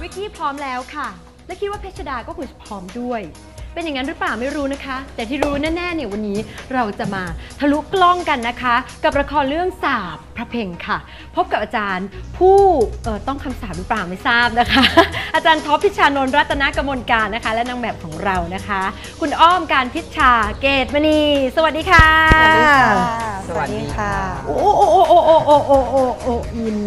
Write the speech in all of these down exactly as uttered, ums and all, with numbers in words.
กกี้พร้อมแล้วค่ะและคิดว่าเพชรดาก็คงจะพร้อมด้วยเป็นอย่างนั้นหรือเปล่าไม่รู้นะคะแต่ที่รู้แน่ๆเนี่ยวันนี้เราจะมาทะลุกล้องกันนะคะกับละครเรื่องสาปพระเพ่งค่ะพบกับอาจารย์ผู้เอ่อต้องคำสาปหรือเปล่าไม่ทราบนะคะ อาจารย์ท็อปพิชานนท์รัตนกมลการนะคะและนางแบบของเรานะคะคุณอ้อมการพิชชาเกตมณีสวัสดีค่ะสวัสดีค่ะโอ้โอ้โอ้โอ้โอ้โอ้โอ้โอ้โอ้อิน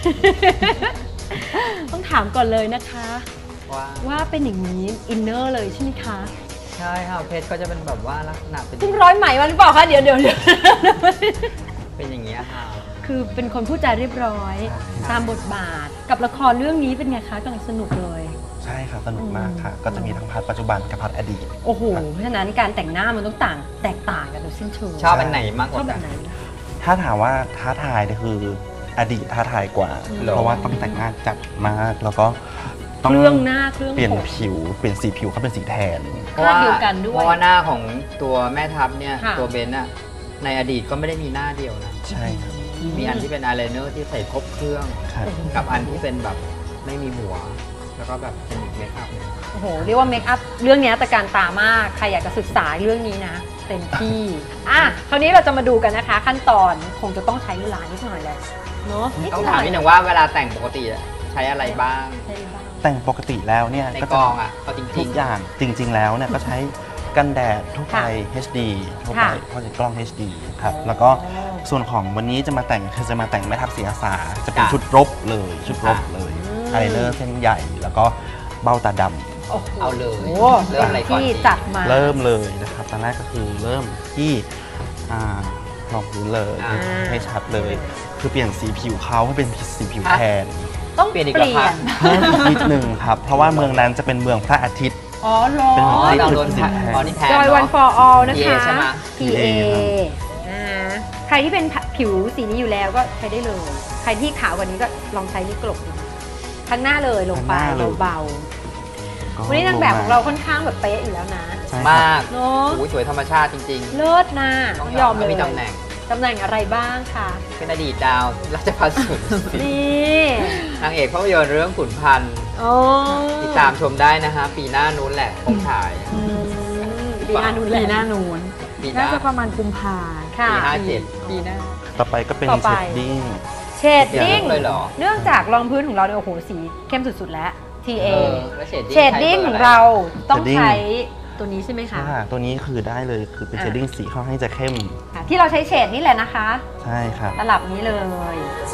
ต้องถามก่อนเลยนะคะว่าว่าเป็นอย่างนี้อินเนอร์เลยใช่ไหมคะใช่ค่ะเพชรก็จะเป็นแบบว่าลักษณะเป็นเพิ่งร้อยไหมมาหรือเปล่าคะเดี๋ยวเดี๋ยวเป็นอย่างนี้ค่ะคือเป็นคนพูดจาเรียบร้อยตามบทบาทกับละครเรื่องนี้เป็นไงคะกำลังสนุกเลยใช่ค่ะสนุกมากค่ะก็จะมีทั้งพาร์ทปัจจุบันกับพาร์ทอดีตโอ้โหเพราะฉะนั้นการแต่งหน้ามันต้องต่างแตกต่างกันโดยสิ้นเชิงชอบอันไหนมากกว่าชอบแบบไหนถ้าถามว่าท้าทายเนี่ยคืออดีตท้าทายกว่าเพราะว่าต้องแต่งหน้าจัดมากแล้วก็ต้องเครื่องหน้าเครื่องเปลี่ยนผิวเปลี่ยนสีผิวเขาเป็นสีแทนเพราะว่าเพราะว่าหน้าของตัวแม่ทัพเนี่ยตัวเบนน่ะในอดีตก็ไม่ได้มีหน้าเดียวนะใช่ครับมีอันที่เป็นอายไลเนอร์ที่ใส่ครบเครื่องกับอันที่เป็นแบบไม่มีหัวแล้วก็แบบเป็นเมคอัพโอ้โหเรียกว่าเมคอัพเรื่องนี้ตะการตามากใครอยากจะศึกษาเรื่องนี้นะเต็มที่อ่ะคราวนี้เราจะมาดูกันนะคะขั้นตอนคงจะต้องใช้เวลานิดหน่อยแหละเนาะต้องถามนิดหนึ่งว่าเวลาแต่งปกติใช้อะไรบ้างแต่งปกติแล้วเนี่ยในกองอ่ะเอาจริงทุกอย่างจริงๆแล้วเนี่ยก็ใช้กันแดดทั่วไป เอช ดี ทั่วไปเพราะจะกล้อง เอช ดี ครับแล้วก็ส่วนของวันนี้จะมาแต่งคือจะมาแต่งแม่ทัพศรีอาสาจะเป็นชุดรบเลยชุดรบเลยอายไลเนอร์เส้นใหญ่แล้วก็เบ้าตาดำเอาเลยเริ่มอะไรก่อนที่จัดมาเริ่มเลยนะครับตอนแรกก็คือเริ่มที่ลองพื้นเลยให้ชัดเลยคือเปลี่ยนสีผิวเขาให้เป็นสีผิวแทนต้องเปลี่ยนอีกแล้วครับนิดนึงครับเพราะว่าเมืองนั้นจะเป็นเมืองพระอาทิตย์อ๋อเหรอเป็นเมืองที่เราโดนแทนจอยวัน for all นะคะพี เอใครที่เป็นผิวสีนี้อยู่แล้วก็ใช้ได้เลยใครที่ขาวกว่านี้ก็ลองใช้นี่กลบดูข้างหน้าเลยลงไปเบาๆวันนี้นางแบบของเราค่อนข้างแบบเป๊ะอยู่แล้วนะมากเนาะสวยธรรมชาติจริงๆเลิศนะต้องยอมเลยมีตำแหน่งตำแหน่งอะไรบ้างคะเป็นอดีตดาวราชพัฒสุนนี่นางเอกภาพยนตร์เรื่องขุนพันธ์ติดตามชมได้นะฮะปีหน้านู้นแหละคงฉายปีหน้านู้นปีหน้านู้นน่าจะประมาณกุมภาปีห้าเจ็ดปีหน้าต่อไปก็เป็นเชดดิ้งเชดดิ้งเนื่องจากรองพื้นของเราเนี่ยโอ้โหสีเข้มสุดๆแล้ว ที เอ เชดดิ้งของเราต้องใช้ตัวนี้ใช่ไหมคะตัวนี้คือได้เลยคือเป็นเชดดิ้งสีค่อนข้างจะเข้มที่เราใช้เฉดนี่แหละนะคะใช่ครับระดับนี้เลย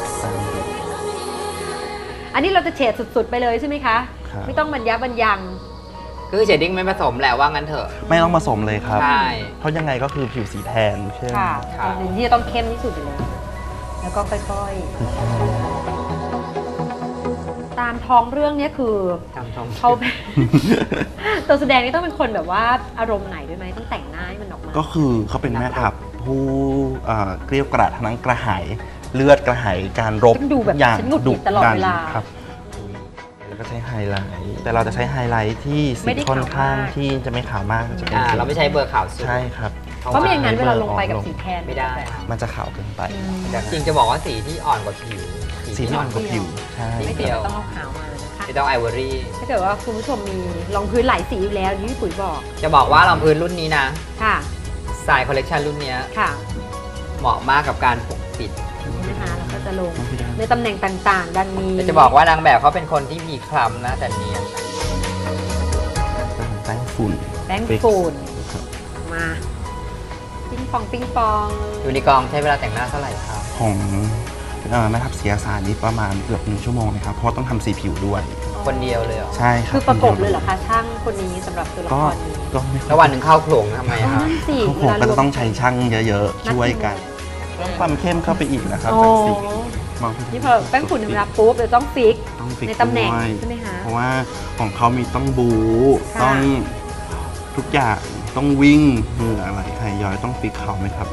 อันนี้เราจะเฉดสุดๆไปเลยใช่ไหมคะไม่ต้องบรรยะบรรยังคือเชดดิ้งไม่ผสมแหละว่างั้นเถอะไม่ต้องผสมเลยครับใช่เพราะยังไงก็คือผิวสีแทนเข้มค่ะตัวนี้จะต้องเข้มที่สุดเลยแล้วก็ค่อยๆตามท้องเรื่องนี้คือเขาตัวแสดงนี่ต้องเป็นคนแบบว่าอารมณ์ไหนด้วยไหมต้องแต่งหน้าให้มันออกมาก็คือเขาเป็นแม่ทัพผู้เกลียวกราดทั้งกระหายเลือดกระหายการรบอย่างดุดันครับแล้วก็ใช้ไฮไลท์แต่เราจะใช้ไฮไลท์ที่สีค่อนข้างที่จะไม่ขาวมากจะเป็นเราไม่ใช้เบอร์ขาวสุดใช่ครับเพราะไม่อย่างนั้นเวลาลงไปกับสีแทนไม่ได้มันจะขาวเกินไปจริงจะบอกว่าสีที่อ่อนกว่าผิวสีที่อ่อนกว่าผิวใช่ไม่เดียวต้องเอาขาวมาไม่ต้องไอวอรี่ถ้าเกิดว่าคุณผู้ชมมีรองพื้นหลายสีอยู่แล้วที่พี่ปุ๋ยบอกจะบอกว่ารองพื้นรุ่นนี้นะค่ะสายคอลเลกชันรุ่นนี้ค่ะเหมาะมากกับการปกปิดนะคะแล้วก็จะลงในตำแหน่งต่างๆดังนี้จะบอกว่านางแบบเขาเป็นคนที่มีคล้ำนะแต่เนียนแป้งฝุ่นแป้งฝุ่นมาปิ้งปองปิ้งปองอยู่ในกองใช้เวลาแต่งหน้าเท่าไหร่ครับของแม่ทัพศรีอาสานี้ประมาณเกือบหนึ่งชั่วโมงนะครับเพราะต้องทำสีผิวด้วยคนเดียวเลยเหรอใช่ครับคือประกบเลยเหรอคะช่างคนนี้สำหรับตัวละครนี้ก็แล้ววันหนึ่งเข้าโขลงทำไมครับเข้าโขลงก็จะต้องใช้ช่างเยอะๆช่วยกันเพิ่มความเข้มเข้าไปอีกนะครับจากสีนี่พอแป้งฝุ่นธรรมดาปุ๊บเราต้องฟิกในตำแหน่งใช่ไหมคะเพราะว่าของเขามีต้องบูต้องทุกอย่างต้องวิ่งมืออะไรใครย้อยต้องฟิกเขาไหมครับ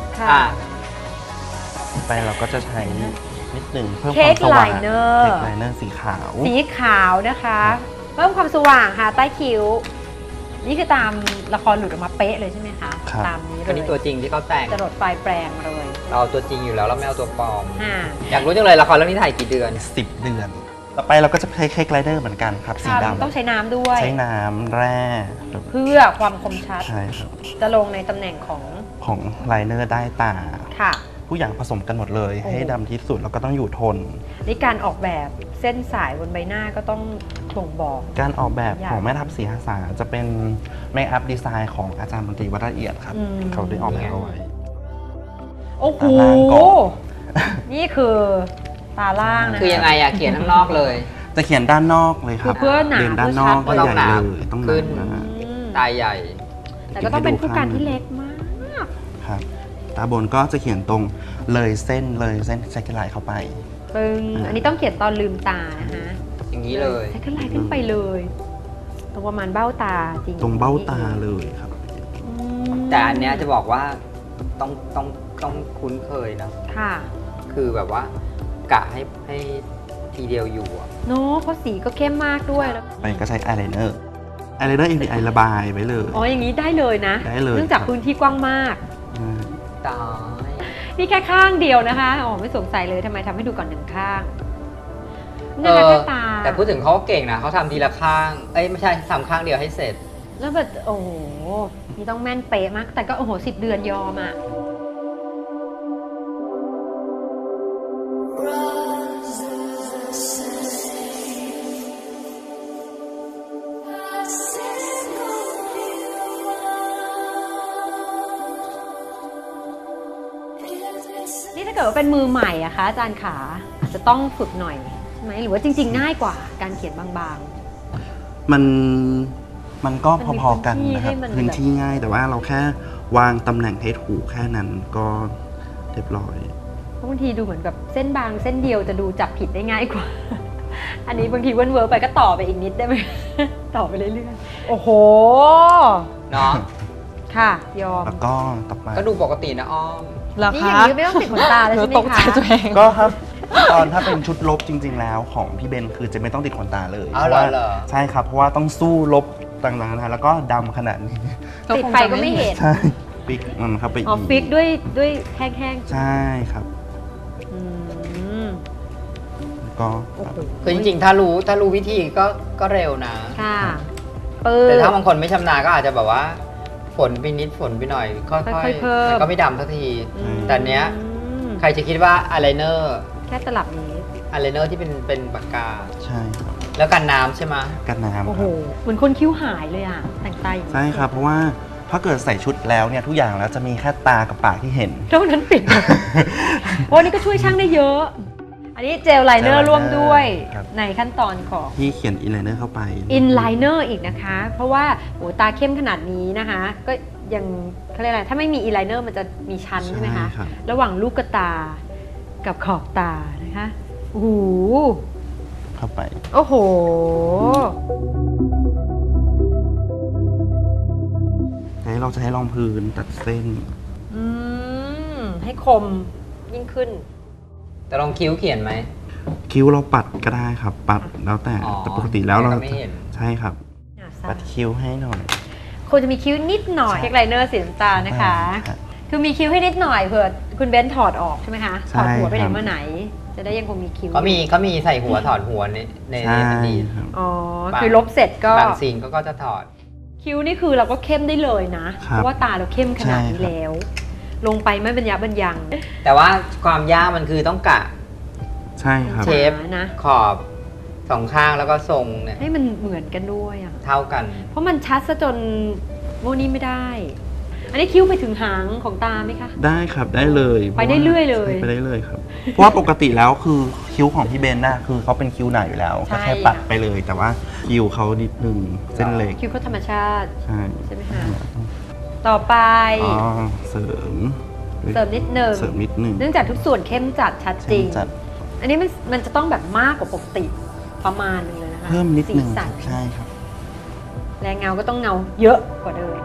ไปเราก็จะใช้นิดหนึ่งเพิ่มความสว่างเค้กไลเนอร์สีขาวสีขาวนะคะเพิ่มความสว่างค่ะใต้คิ้วนี่คือตามละครหลุดออกมาเป๊ะเลยใช่ไหมคะตามนี้เลยอันนี้ตัวจริงที่เขาแต่งจรดปลายแปลงเลยเราตัวจริงอยู่แล้วเราไม่เอาตัวปลอมอยากรู้จังเลยละครเรื่องนี้ถ่ายกี่เดือนสิบเดือนต่อไปเราก็จะใช้เค้กไลเนอร์เหมือนกันครับสีดำต้องใช้น้ำด้วยใช้น้ำแร่เพื่อความคมชัดใช่ครับจะลงในตำแหน่งของของไลเนอร์ได้ตาค่ะผู้อย่างผสมกันหมดเลยโอ้ให้ดำที่สุดแล้วก็ต้องอยู่ทนนี่การออกแบบเส้นสายบนใบหน้าก็ต้องบ่งบอกการออกแบบอย่างของแม่ทัพศรีหาสาจะเป็นเมคอัพดีไซน์ของอาจารย์มนตรีวัดละเอียดครับอืมเขาได้ออกแบบเอาไว้โอ้โหตาล่างก่อนนี่คือตาล่างนะคือยังไงอะเขียนข้างนอกเลยจะเขียนด้านนอกเลยครับคือเพื่อหนาเรียนด้านนอกเพื่ก็อใหชัดญ่ต้องหนาเลยต้องหขึ้นาน นะอืมตาใหญ่แต่ก็ต้องเป็นผู้การที่เล็กมากครับตาบนก็จะเขียนตรงเลยเส้นเลยเส้นแซกไลน์เข้าไปปึ้งอันนี้ต้องเขียนตอนลืมตานะคะอย่างนี้เลยแซกไลน์ขึ้นไปเลย ตรงประมาณเบ้าตาจริงตรงเบ้าตาเลยครับอืมแต่อันเนี้ยจะบอกว่าต้องต้องต้องคุ้นเคยนะค่ะคือแบบว่ากะให้ให้ทีเดียวอยู่อะเนาะเพราะสีก็เข้มมากด้วยแล้วไปก็ใช้อายไลเนอร์อายไลเนอร์เอ็มดีไอระบายไว้เลยอ๋ออย่างนี้ได้เลยนะได้เลยเนื่องจากครับพื้นที่กว้างมากมตายนี่แค่ข้างเดียวนะคะอ๋อไม่สงสัยเลยทำไมทำให้ดูก่อนหนึ่งข้างเอนะคะอแค่ตาแต่พูดถึงเขาก็เก่งนะเขาทำทีละข้าง เอ้ยไม่ใช่ทำข้างเดียวให้เสร็จแล้วแบบโอ้โหนี่ต้องแม่นเป๊ะมาก แต่ก็โอ้โหสิบเดือนยอมอ่ะ นี่ถ้าเกิดว่าเป็นมือใหม่อะคะอาจารย์ขาอาจจะต้องฝึกหน่อยใช่ไหมหรือว่าจริง ๆ ง่ายกว่าการเขียนบางมันมันก็มันมีพอๆกันนะครับพื้พื้นนที่ที่ให้มันง่ายแต่ว่าเราแค่วางตำแหน่งให้ถูกแค่นั้นก็เรียบร้อยๆเพราะบางทีดูเหมือนแบบเส้นบางเส้นเดียวจะดูจับผิดได้ง่ายกว่า อันนี้บางทีเวิร์นเวิร์ไปก็ต่อไปอีกนิดได้ไหม ต่อไปเรื่อยๆ โอ้โหเนาะค่ะ ยอมแล้วก็ต่อไปก็ดูปกตินะอ้อมเหรอนี่คะอย่างนี้ไม่ต้องติดขนตาแล้วใช่ไหมตกใจคะตัวเองก็ครับ ตอนถ้าเป็นชุดลบจริง ๆ แล้วของพี่เบนคือจะไม่ต้องติดขนตาเลยอ้าวเพราะว่าเหรอใช่ครับเพราะว่าต้องสู้ลบต่างๆนะแล้วก็ดำขนาดนี้ติดไปก็ไม่เห็นใช่ปิกมันเข้าไปอ๋อฟิกด้วยด้วยแห้งใช่ครับๆอืมแล้วก็โอ้โหคือจริงๆ ถ้ารู้ถ้ารู้วิธีก็ก็เร็วนะค่ะปื้แต่มถ้าบางคนไม่ชำนาญก็อาจจะแบบว่าฝนไปนิดฝนไปหน่อย ค่ค่ออยยๆเพิ่มๆแต่ก็ไม่ดำสักทีอืมแต่เนี้ย ใครจะคิดว่าอายไลเนอร์แค่ตลับนี้อายไลเนอร์ที่เป็นเป็นปากกาใช่ครับแล้วกันน้ำใช่ไหมกันน้ำโอ้คโหรับเหมือนคนคิ้วหายเลยอ่ะ แต่งตาอย่างนี้ใช่ครับ เพราะว่าถ้าเกิดใส่ชุดแล้วเนี่ยทุกอย่างแล้วจะมีแค่ตากับปากที่เห็นเท่านั้นปิด โอ้นี่ก็ช่วยช่างได้เยอะ อันนี้เจลไลเนอเจลไลเนอร์ร์ร่วมด้วยครับในขั้นตอนของที่เขียนอินไลเนอร์เข้าไปอินไลเนอร์อีกนะคะ เพราะว่าโอ้ตาเข้มขนาดนี้นะคะ ก็ยังเขาเรียกอะไรถ้าไม่มีอินไลเนอร์มันจะมีชั้นใช่ไหมคะครับระหว่างลูกตากับขอบตานะคะโอ้โหเข้าไปโอ้โหให้เราจะให้รองพื้นตัดเส้นอืมให้คมยิ่งขึ้นแต่ลองคิ้วเขียนไหมคิ้วเราปัดก็ได้ครับ ปัดแล้วแต่อ๋อแต่ปกติแล้วเราแต่ก็ไม่จะเห็นใช่ครับ ปัดคิ้วให้หน่อยควรจะมีคิ้วนิดหน่อยเค้กไลเนอร์สีน้ำตาลนะคะครับคือมีคิ้วให้นิดหน่อยเผื่อคุณเบนถอดออกใช่ไหมคะใช่ถอดหัวไปไหนครับมาไหน จะได้ยังคงมีคิ้วเขามีเขามีใส่หัวถอดหัวในในใช่ในดีครับอ๋อบางคือลบเสร็จก็บางซีนก็ก็จะถอดคิ้วนี่คือเราก็เข้มได้เลยนะคเพรับราะว่าตาเราเข้มขนาดนี้ใช่ครับแล้ว ลงไปไม่บรรยะบรรยังแต่ว่าความยากมันคือต้องกะใช่ครับเชฟนะขอบสองข้างแล้วก็ทรงเนี่ยให้มันเหมือนกันด้วยอ่ะเท่ากันเพราะมันชัดซะจนโมนี่ไม่ได้ อันนี้คิ้วไปถึงหางของตาไหมคะได้ครับได้เลยไปได้เรื่อยเลยใช่ไปได้เลยครับ เพราะว่าปกติแล้วคือคิ้วของพี่เบนน่ะคือเขาเป็นคิ้วหนาอยู่แล้วใช่ก็แค่ปัดไปเลย แต่ว่าคิ้วเขานิดนึงเส้นเล็กคิ้วเขาธรรมชาติใช่ใช่ไหมคะ ต่อไปอ๋อเสริมเสริมนิดหนึ่งเสริมนิดนึงเนื่องจากทุกส่วนเข้มจัดชัดจริงจัดอันนี้มันมันจะต้องแบบมากกว่าปกติประมาณนึงเลยนะคะเพิ่มนิดนึงสีสันใช่ครับแรงเงาก็ต้องเงาเยอะกว่าเดิม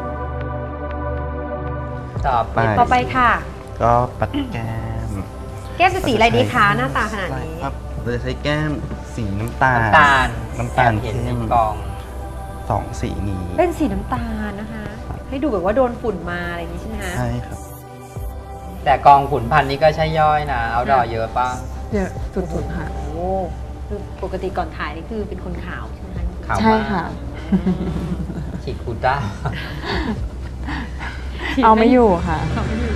ต่อไปไปต่อไปค่ะก็ปัดแก้มแก้มจะสีอะไรดีคะหน้าตาขนาดนี้ครับเราจะใช้แก้มสีน้ำตาลน้ำตาลน้ำตาลเห็นเข้ในมกองสองสีนี้เป็นสีน้ำตาลนะคะ ให้ดูแบบว่าโดนฝุ่นมาอะไรอย่างนี้ใช่ไหมคะใช่ครับแต่กองขุนพันธ์นี่ก็ใช่ย่อยนะ เอาดอเยอะป่ะเยอะสุดๆค่ะโอ้คือปกติก่อนถ่ายนี่คือเป็นคนขาวใช่ไหมคะขาวใช่มากค่ะฉีดคูต้าเอาไม่อยู่ค่ะเอาไม่อยู่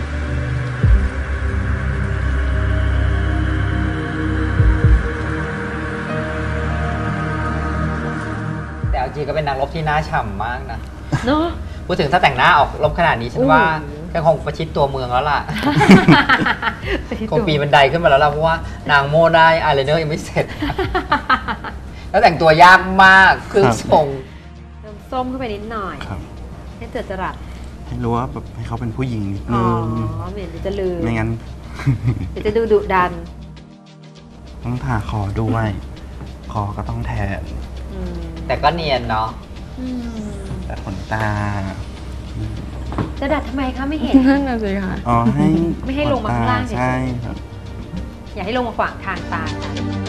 แต่เอาจริงก็เป็นนางรบที่น่าฉ่ำมากนะเนาะพูดถึงถ้าแต่งหน้าออกรบขนาดนี้ฉันว่าโอ้โหก็คงประชิดตัวเมืองแล้วล่ะ คงปีนบันไดขึ้นมาแล้วล่ะเพราะว่านางโม่ได้อายไลเนอร์ยังไม่เสร็จ แล้วแต่งตัวยากมากเครื่องทรงเติมส้มเข้าไปนิดหน่อยครับให้เจิดจรัสให้รู้ว่าแบบให้เขาเป็นผู้หญิงนิดอ๋นึอง เหมือนเดี๋ยวจะลืมไม่งั้นเดี๋ยวจะดูดุดันต้องทาคอด้วย คอก็ต้องแทนอืมแต่ก็เนียนเนาะอืมแต่ขนตาจะดัดทำไมคะไม่เห็นนั่นน่ะสิค่ะอ๋อให้ไม่ให้ลงมาข้างล่างเฉยๆใช่ครับอย่าให้ลงมาขวางทางตาค่ะ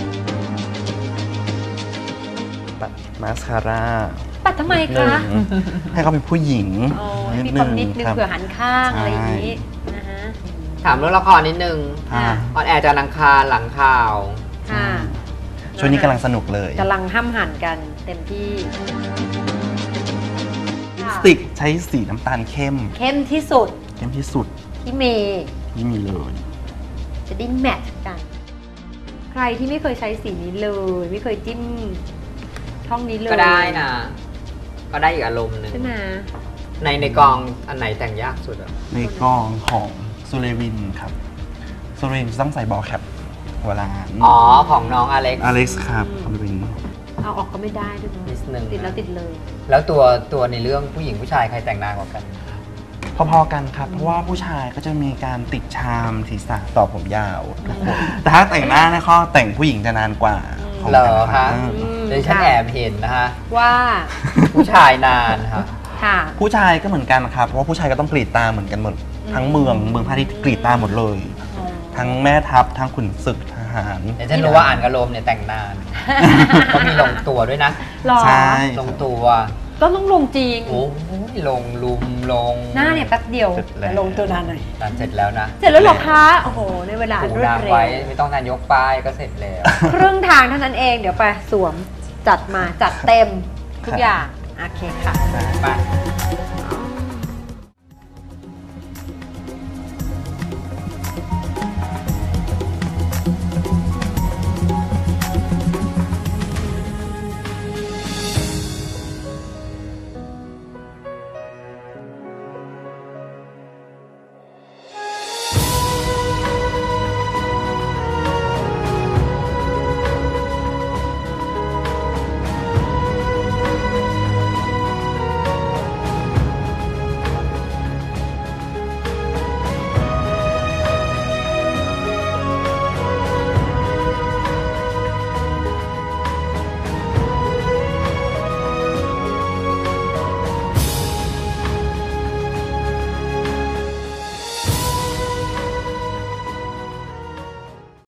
ปัดมาสคาร่าปัดทำไมหนึ่คะงให้เขาเป็นผู้หญิงโอ้ยมีความนิดนึงครับเผื่อหันข้างอะไรอย่างนี้ใช่นะฮะถามเรื่องละครนิดนึงอ่าออนแอร์จากอังคารหลังข่าวค่ะช่วงนี้กำลังสนุกเลยกำลังห้ำหั่นกันเต็มที่ลิปสติกใช้สีน้ำตาลเข้มเข้มที่สุดเข้มที่สุดที่เมย์ที่มีเลยจะได้แมทช์กัน ใครที่ไม่เคยใช้สีนี้เลย ไม่เคยจิ้มช่องนี้เลยก็ได้นะ ก็ได้อีกอารมณ์หนึ่งใช่ไหมในในกองอันไหนแต่งยากสุดอะในกองของซูเลวินครับซูเลวินจะต้องใส่บอลแคปหัวล้านอ๋อ ของน้องอเล็กซ์อเล็กซ์ครับซูเลวินเอาออกก็ไม่ได้ด้วยเนอะนิดนึงติดแล้วติดเลยแล้วตัวตัวในเรื่องผู้หญิงผู้ชายใครแต่งนานกว่ากันพอๆกันครับ เพราะว่าผู้ชายก็จะมีการติดชามศีรษะต่อผมยาวทุกคนแต่ถ้าแต่งหน้าเนี่ยเขาแต่งผู้หญิงจะนานกว่าของเหรอแต่ละคะเออเดี๋ยวฉันแอบเห็นนะฮะว่าผู้ชายนานฮะค่ะผู้ชายก็เหมือนกันครับ เพราะว่าผู้ชายก็ต้องกรีดตาเหมือนกันหมด ทั้งเมืองเมืองพาทิตย์กรีดตาหมดเลย ทั้งแม่ทัพทั้งขุนศึกทหารเดี๋ยวฉันรู้ว่าอ่านกระโลมเนี่ยแต่งนานเขามีลงตัวด้วยนะหรอใช่ลงตัวก็ต้องลงจริงโอ้ยลงลุมลงหน้าเนี่ยแป๊บเดียวเสร็จแล้วลงตัวนานหน่อยนานเสร็จแล้วนะเสร็จแล้วเหรอคะ โอ้โห ในเวลาอันถูรวดนางเร็วไว้ไม่ต้องการยกป้ายก็เสร็จแล้วครึ่งทางเท่านั้นเอง เดี๋ยวไปสวมจัดมาจัดเต็มทุกอย่าง โอเคค่ะไป